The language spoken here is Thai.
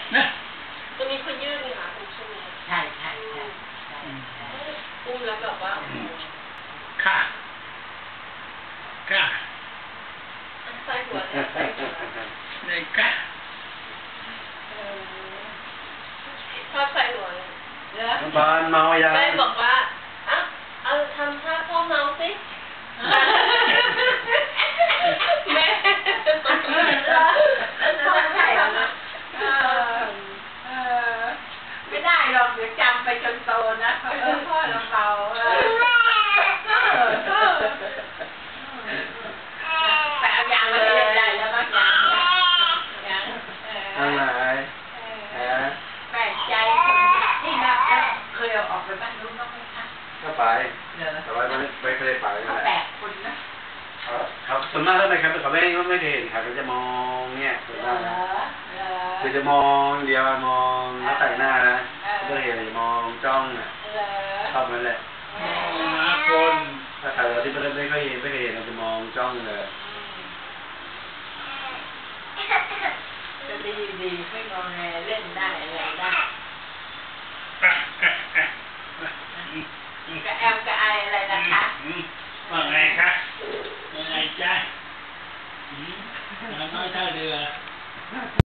นะจะมีคนยื่นหาคุณช่วยใช่อุ้มแล้วแบบว่าค่ะใส่หัวเนี่ยใส่หัวเนี่ยค่ะชอบใส่หัวเลยบ้านเมายาแม่บอกว่าเอาทำท่าพ่อเมาสิแม่ไม่ได้หรอกเดี๋ยวจำไปจนโตนะพ่อเราเบาแต่เอายางมาเล่นได้แล้วก็ยางอะไรแปลกใจนี่นะเคยเอาออกไปบ้านนู้นบ้างไหมคะก็ไปแต่ว่าไม่เคยไปนั่นแหละแปลกคนนะครับส่วนมากแล้วนะครับเขาไม่เคยเห็นครับเขาจะมองเนี่ยส่วนมากนะคือจะมองเดียวมองแล้วแต่งหน้านะก็เห็นมองจ้องอ่ะชอบนั่นแหละคนถ้าใครเราที่ไม่เคยเห็นเราจะมองจ้องเลยจะดีไม่งอแงเล่นได้อะไรได้กระแอมกระไออะไรนะคะว่าไงคะยังไงจ๊ะน้อยเท่าเรือ